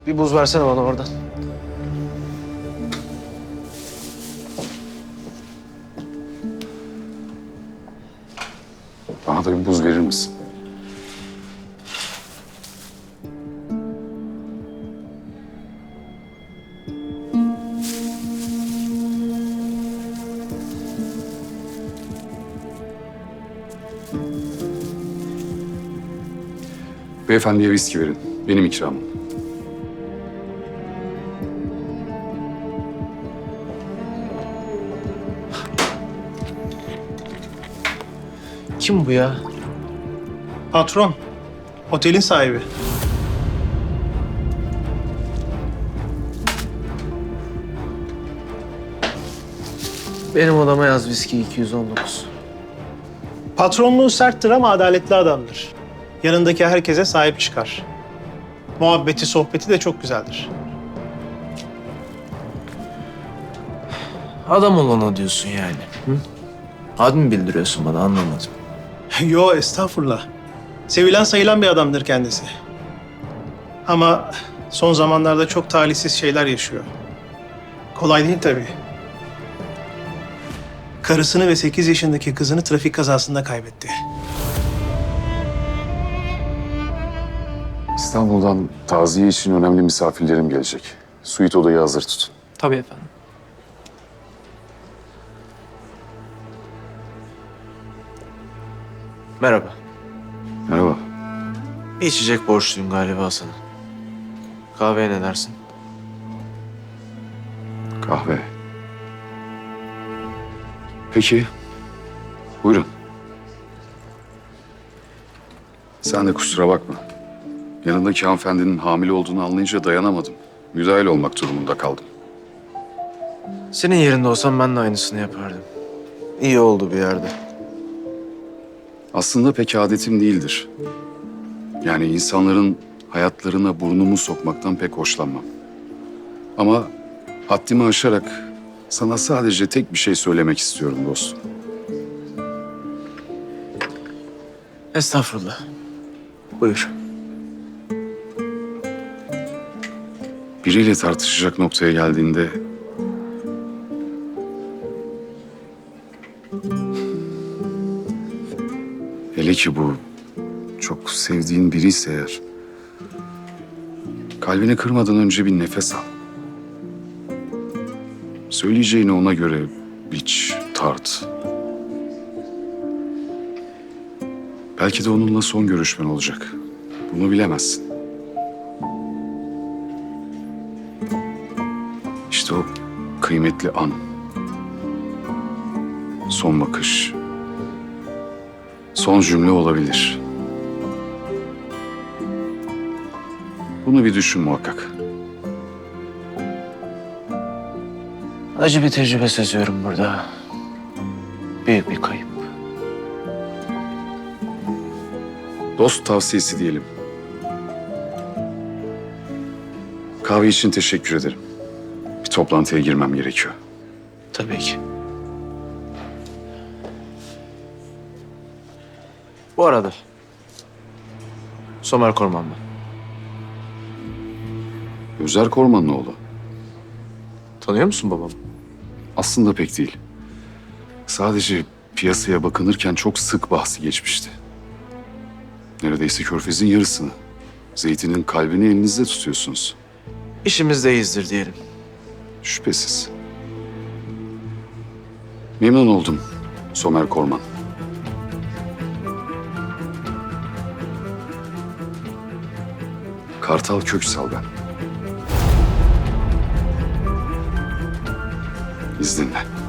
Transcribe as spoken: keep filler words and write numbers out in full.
Bir buz versene bana oradan. Bana da bir buz verir misin? Beyefendiye viski verin. Benim ikramım. Kim bu ya? Patron, otelin sahibi. Benim odama yaz viski iki yüz on dokuz. Patronluğu serttir ama adaletli adamdır. Yanındaki herkese sahip çıkar. Muhabbeti, sohbeti de çok güzeldir. Adam olana diyorsun yani. Hı? Ad mı bildiriyorsun bana, anlamadım. Yo, estağfurullah. Sevilen sayılan bir adamdır kendisi. Ama son zamanlarda çok talihsiz şeyler yaşıyor. Kolay değil tabii. Karısını ve sekiz yaşındaki kızını trafik kazasında kaybetti. İstanbul'dan taziye için önemli misafirlerim gelecek. Suite odayı hazır tutun. Tabii efendim. Merhaba. Merhaba. Bir içecek borçluyum galiba sana. Kahveye ne dersin? Kahve. Peki. Buyurun. Sen de kusura bakma. Yanındaki hanımefendinin hamile olduğunu anlayınca dayanamadım. Müdahil olmak durumunda kaldım. Senin yerinde olsam ben de aynısını yapardım. İyi oldu bir yerde. Aslında pek adetim değildir. Yani insanların hayatlarına burnumu sokmaktan pek hoşlanmam. Ama haddimi aşarak sana sadece tek bir şey söylemek istiyorum dostum. Estağfurullah. Buyur. Biriyle tartışacak noktaya geldiğinde hele ki bu çok sevdiğin biri ise eğer, kalbini kırmadan önce bir nefes al. Söyleyeceğini ona göre biç, tart. Belki de onunla son görüşmen olacak. Bunu bilemezsin. İşte o kıymetli an. Son bakış. Son cümle olabilir. Bunu bir düşün muhakkak. Acı bir tecrübe seziyorum burada. Büyük bir kayıp. Dost tavsiyesi diyelim. Kahve için teşekkür ederim. Bir toplantıya girmem gerekiyor. Tabii ki. Bu arada Somer Korman ben. Özer Korman'ın oğlu. Tanıyor musun babamı? Aslında pek değil. Sadece piyasaya bakınırken çok sık bahsi geçmişti. Neredeyse Körfez'in yarısını. Zeytin'in kalbini elinizde tutuyorsunuz. İşimizdeyizdir diyelim. Şüphesiz. Memnun oldum Somer Korman. Kartal Köksal ben. İzninle.